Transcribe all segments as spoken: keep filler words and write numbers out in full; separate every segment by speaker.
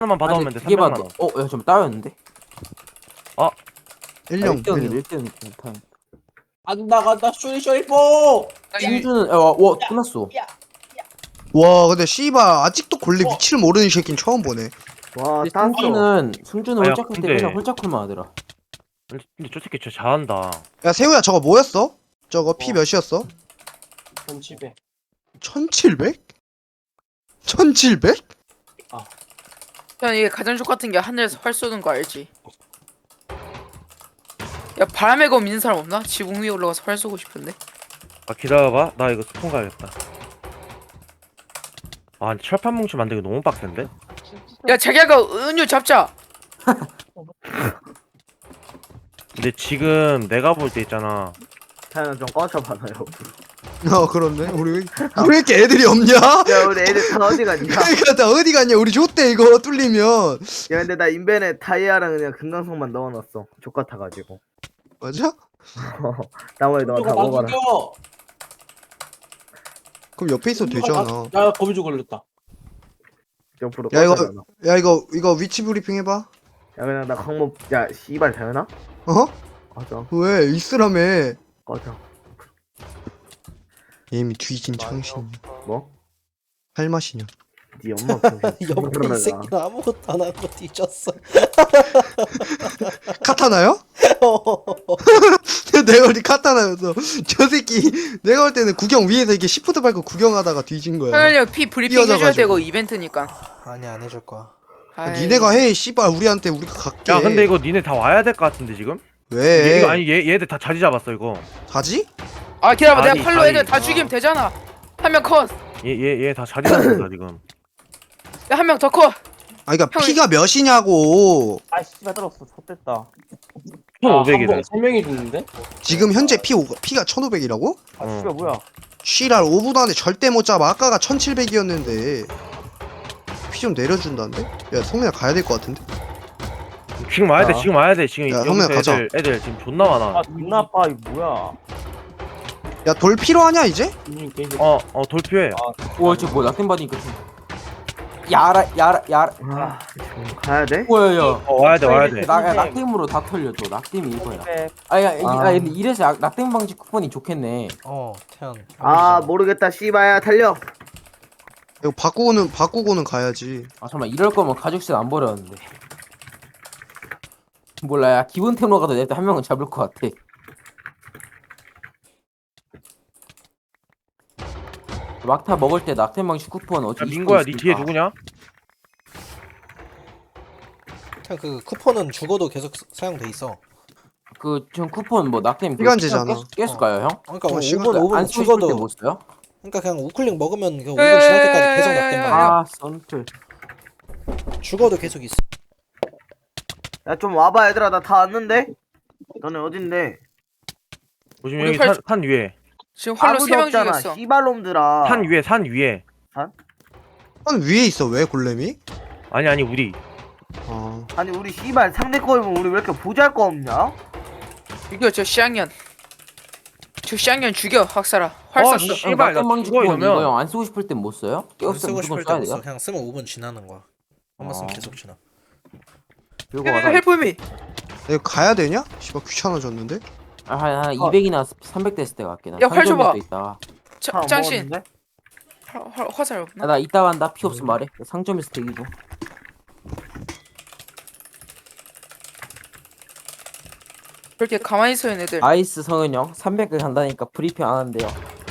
Speaker 1: 하나만 받아오면 돼.
Speaker 2: 두 개만
Speaker 1: 삼백만
Speaker 2: 더.
Speaker 1: 원.
Speaker 2: 어, 야, 좀 따였는데?
Speaker 3: 일 령
Speaker 2: 일 등,
Speaker 3: 일 령
Speaker 2: 일 등, 일 등.
Speaker 4: 간다 간다 쇼리 쇼리포.
Speaker 2: 승주는, 야, 와, 와, 끝났어.
Speaker 3: 와 근데 씨발 아직도 골래 위치를 모르는 새끼는 처음 보네.
Speaker 5: 와,
Speaker 2: 근데
Speaker 5: 땄어.
Speaker 2: 승주는, 승주는
Speaker 1: 아, 야,
Speaker 2: 홀짝할 때
Speaker 1: 근데-
Speaker 2: 그냥 홀짝콜만 하더라.
Speaker 1: 근데 저 새끼 진짜 잘한다.
Speaker 3: 야 세우야 저거 뭐였어? 저거 피
Speaker 4: 어.
Speaker 3: 몇이었어?
Speaker 4: 천칠백.
Speaker 3: 천칠백? 천칠백?
Speaker 6: 야 이게 가장 똑같은 게 하늘에서 활 쏘는 거 알지? 야 바람의 검 있는 사람 없나? 지붕 위에 올라가서 활 쏘고 싶은데.
Speaker 1: 아 기다려봐. 나 이거 스폰 가야겠다. 아 근데 철판 뭉치 만들기 너무 빡센데?
Speaker 6: 야 자기가 은유 잡자.
Speaker 1: 근데 지금 내가 볼 때 있잖아.
Speaker 5: 타이어 좀 꺼져봐봐요.
Speaker 3: 어 그런데 우리 왜, 우리 왜 이렇게 애들이 없냐?
Speaker 5: 야, 우리 애들 다 어디 갔냐?
Speaker 3: 그러니까 나 어디 갔냐? 우리 줬대 이거 뚫리면.
Speaker 5: 야, 근데 나 인벤에 다이아랑 그냥 금강석만 넣어놨어. 족같아가지고.
Speaker 3: 맞아?
Speaker 5: 나머지 너가 다
Speaker 4: 저거 나
Speaker 5: 먹어라.
Speaker 4: 죽여.
Speaker 3: 그럼 옆에 있어도 되잖아.
Speaker 4: 야 거미줄 걸렸다.
Speaker 5: 옆으로
Speaker 3: 야, 이거-
Speaker 5: 꺼져라, 너.
Speaker 3: 야 이거 이거 위치 브리핑 해봐.
Speaker 5: 야, 그냥 나 강목. 야, 씨발 되나?
Speaker 3: 어?
Speaker 5: 꺼져.
Speaker 3: 왜 있으라며?
Speaker 5: 꺼져.
Speaker 3: 이미 뒤진 청신이야.
Speaker 5: 뭐?
Speaker 3: 할 맛이냐?
Speaker 5: 네 엄마 병신.
Speaker 4: 옆에 이 새끼는 아무것도 안 하고 뒤졌어.
Speaker 3: 카타나요? 내가 우리 카타나였어. 저 새끼 내가 볼 때는 구경 위에서 이게 시프트 밟고 구경하다가 뒤진 거야.
Speaker 6: 하연이 피 브리핑 해줘야
Speaker 3: 뛰어져가지고.
Speaker 6: 되고 이벤트니까.
Speaker 4: 아니 안 해줄 거야.
Speaker 6: 아이,
Speaker 3: 니네가 해 씨발 우리한테 우리가 갈게.
Speaker 1: 야 근데 이거 니네 다 와야 될 것 같은데 지금?
Speaker 3: 왜?
Speaker 1: 얘, 이거 아니 얘 얘들 다 자리 잡았어 이거.
Speaker 3: 가지?
Speaker 6: 아 기다려봐
Speaker 1: 아니,
Speaker 6: 내가 칼로
Speaker 1: 아니.
Speaker 6: 애들 다 죽이면 되잖아. 한 명 컷.
Speaker 1: 얘 얘 얘 다 자리 잡았어 지금.
Speaker 6: 야 한 명 더 컷.
Speaker 3: 아 그니까
Speaker 6: 형이-
Speaker 3: 피가 몇이냐고.
Speaker 5: 아, 씨발 들었어. 좆됐다.
Speaker 1: 천오백이래.
Speaker 4: 세 명이 죽는데?
Speaker 3: 지금 현재 피 오- 피가 천오백이라고?
Speaker 5: 아,
Speaker 1: 어.
Speaker 5: 씨발 뭐야?
Speaker 3: 쉬랄 오 분 안에 절대 못 잡아. 아까가 천칠백이었는데 피 좀 내려준다는데? 야 성민아 가야 될 것 같은데?
Speaker 1: 지금 와야 돼
Speaker 5: 아.
Speaker 1: 지금 와야 돼 지금
Speaker 3: 야,
Speaker 1: 여기서
Speaker 3: 형님, 가자.
Speaker 1: 애들 애들 지금 존나 많아.
Speaker 5: 존나 아파. 이거 뭐야?
Speaker 3: 야 돌 필요하냐 이제?
Speaker 4: 이 게임.
Speaker 1: 어어 돌피해.
Speaker 2: 우와, 저 뭐, 낙템 받으니까 좀. 야라, 야라, 야라.
Speaker 5: 아, 지금 가야 돼?
Speaker 2: 뭐야, 야.
Speaker 1: 어 와야 돼 와야 돼.
Speaker 2: 나, 야, 낙템으로 다 털려줘. 낙템이 이거야.
Speaker 5: 네.
Speaker 2: 아, 야, 이-
Speaker 5: 아.
Speaker 2: 아, 근데 이래서 약- 낙템 방지 쿠폰이 좋겠네.
Speaker 4: 어 태연.
Speaker 5: 아, 모르겠다. 씨발야 달려.
Speaker 3: 이거 바꾸고는 바꾸고는 가야지.
Speaker 2: 아, 잠깐만, 이럴 거면 가죽셋 안 버렸는데. 몰라, 야, 기본템으로 가도 내 한 명은 잡을 것 같아. 막타 먹을 때 낙템 방지 쿠폰 어차피
Speaker 1: 야 민거야 니 뒤에 누구냐?
Speaker 4: 태연 그 쿠폰은 죽어도 계속 사- 사용돼 있어.
Speaker 2: 그전 쿠폰 뭐 낙템 그
Speaker 3: 시간제잖아.
Speaker 2: 시간 깼- 깼을까요, 형?
Speaker 4: 그러니까
Speaker 3: 어,
Speaker 4: 오
Speaker 3: 시간-
Speaker 4: 분 오 분
Speaker 2: 안 쓰고 싶을
Speaker 4: 죽어도
Speaker 2: 때못 써요?
Speaker 4: 그러니까 그냥 우클릭 먹으면 그 오
Speaker 6: 야,
Speaker 4: 분 지날
Speaker 6: 야,
Speaker 4: 때까지
Speaker 6: 야,
Speaker 4: 계속
Speaker 6: 야, 야,
Speaker 4: 낙된
Speaker 6: 야,
Speaker 4: 말이야.
Speaker 2: 아, 썬틀.
Speaker 4: 죽어도 계속 있어.
Speaker 5: 야, 좀 와봐 얘들아. 나 다 왔는데. 너네 어딘데?
Speaker 1: 보시면
Speaker 6: 우리
Speaker 1: 여기
Speaker 6: 팔-
Speaker 1: 산, 산 위에
Speaker 6: 지금 활로
Speaker 5: 아무도
Speaker 6: 세 명
Speaker 5: 없잖아.
Speaker 6: 죽였어.
Speaker 5: 씨발놈들아.
Speaker 1: 산 위에 산 위에.
Speaker 3: 한 위에 있어 왜 골렘이?
Speaker 1: 아니 아니 우리.
Speaker 3: 아
Speaker 5: 아니 우리 씨발 상대 거이면 우리 왜 이렇게 보잘 거 없냐?
Speaker 6: 죽여 저 쌍년. 저 쌍년 죽여 학살아. 활
Speaker 1: 어,
Speaker 6: 쐈어.
Speaker 1: 씨. 씨발, 나
Speaker 2: 낙템 방지
Speaker 1: 죽어,
Speaker 2: 쿠폰
Speaker 1: 이러면.
Speaker 2: 이거 형 안 쓰고 싶을 땐 못 써요?
Speaker 4: 안
Speaker 2: 깨웠으면
Speaker 4: 쓰고
Speaker 2: 무조건
Speaker 4: 싶을
Speaker 2: 써야
Speaker 4: 때못
Speaker 2: 돼요?
Speaker 4: 써. 그냥 쓰면 오 분 지나는 거야. 한번 쓰면
Speaker 2: 아.
Speaker 4: 계속 지나.
Speaker 2: 이거 와다.
Speaker 6: 헬프미.
Speaker 3: 이거 가야 되냐? 씨발 귀찮아졌는데?
Speaker 2: 아, 한, 한
Speaker 5: 어.
Speaker 2: 이백이나 삼백 됐을 때 갈게. 나
Speaker 6: 야, 활 줘봐.
Speaker 2: 있다.
Speaker 5: 다
Speaker 6: 짱신.
Speaker 5: 먹었는데?
Speaker 6: 활- 활- 화살
Speaker 2: 야,
Speaker 6: 없나?
Speaker 2: 나 이따 간다. 피 없으면 말해. 상점에서 대기고.
Speaker 6: 그렇게 가만히 서 있는 애들.
Speaker 2: 아이스 성은 형 삼백 개 간다니까 브리핑 안 한대요.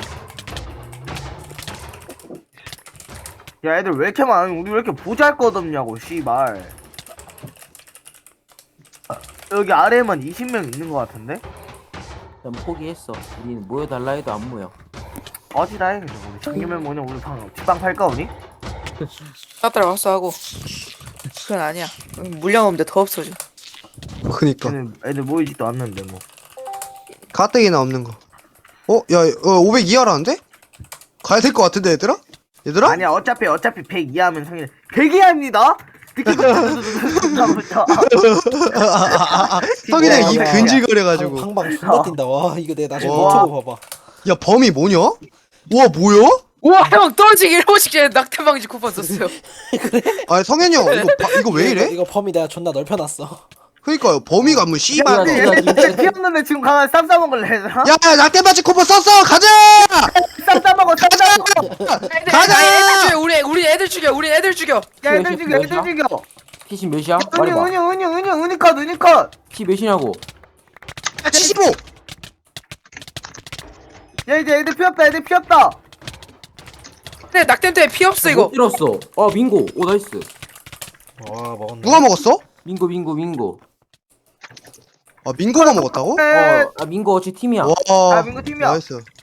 Speaker 5: 야, 애들 왜 이렇게 많아? 우리 왜 이렇게 보잘 것 없냐고 씨발. 여기 아래에만 이십 명 있는 것 같은데?
Speaker 2: 난 포기했어. 우리는 모여달라 해도 안 모여.
Speaker 5: 어디다 해 그냥. 우리 장기면 뭐냐? 우리 방 뒷방 팔까 우리?
Speaker 6: 따따라 왔어 하고. 그건 아니야. 물량 없는데 더 없어져.
Speaker 3: 그니까
Speaker 5: 애들, 애들 모이지도 않는데 뭐.
Speaker 3: 가뜩이나 없는 거. 어? 야 어, 오백 이하라는데? 가야 될 것 같은데 얘들아? 얘들아?
Speaker 5: 아니야 어차피 어차피 백 이하면 성인 백 이하입니다. 듣기 좋다.
Speaker 3: 성인의 입
Speaker 5: 진짜.
Speaker 3: 근질거려가지고.
Speaker 4: 방, 방방 존나 뛴다. 와 이거 내가 나중에
Speaker 3: 와.
Speaker 4: 유튜브 봐봐.
Speaker 3: 야 범이 뭐냐? 와 뭐야?
Speaker 6: 우와 형 떨어지기 일 분씩 전에 낙태방지 쿠폰 썼어요.
Speaker 3: 아 성현이 형 이거 바, 이거 왜
Speaker 4: 이거,
Speaker 3: 이래?
Speaker 4: 이거 범위 내가 존나 넓혀놨어.
Speaker 3: 그니까요 범위가 뭐
Speaker 5: 야,
Speaker 3: 씨발.
Speaker 2: 야,
Speaker 5: 야,
Speaker 2: 야,
Speaker 5: 진짜 피었는데 지금 가만 쌈 싸먹을래, 얘들아?
Speaker 3: 야 낙대바지 쿠폰 썼어 가자.
Speaker 5: 쌈 싸먹어, 쌈 싸먹어.
Speaker 6: 애들,
Speaker 3: 가자!
Speaker 6: 아니, 애들 죽여 우리 우리 애들 죽여 우리 애들 죽여.
Speaker 5: 야, 애들 죽여, 애들 죽여.
Speaker 2: 피신 몇이야?
Speaker 5: 은유,
Speaker 2: 말해봐.
Speaker 5: 은유, 은유, 은유, 은유컷, 은유컷.
Speaker 2: 피 몇이냐고.
Speaker 3: 칠십오.
Speaker 5: 야, 이제 애들 피었다, 애들 피었다.
Speaker 6: 근데 낙템 때문에 피 없어 이거.
Speaker 2: 못 들었어. 어 민고. 오 나이스.
Speaker 4: 와 먹었네.
Speaker 3: 누가 먹었어?
Speaker 2: 민고 민고 민고.
Speaker 3: 아 민고가 먹었다고?
Speaker 5: 에,
Speaker 2: 어 아, 민고 어찌 팀이야.
Speaker 3: 와
Speaker 5: 아, 민고 팀이야.
Speaker 3: 나이스.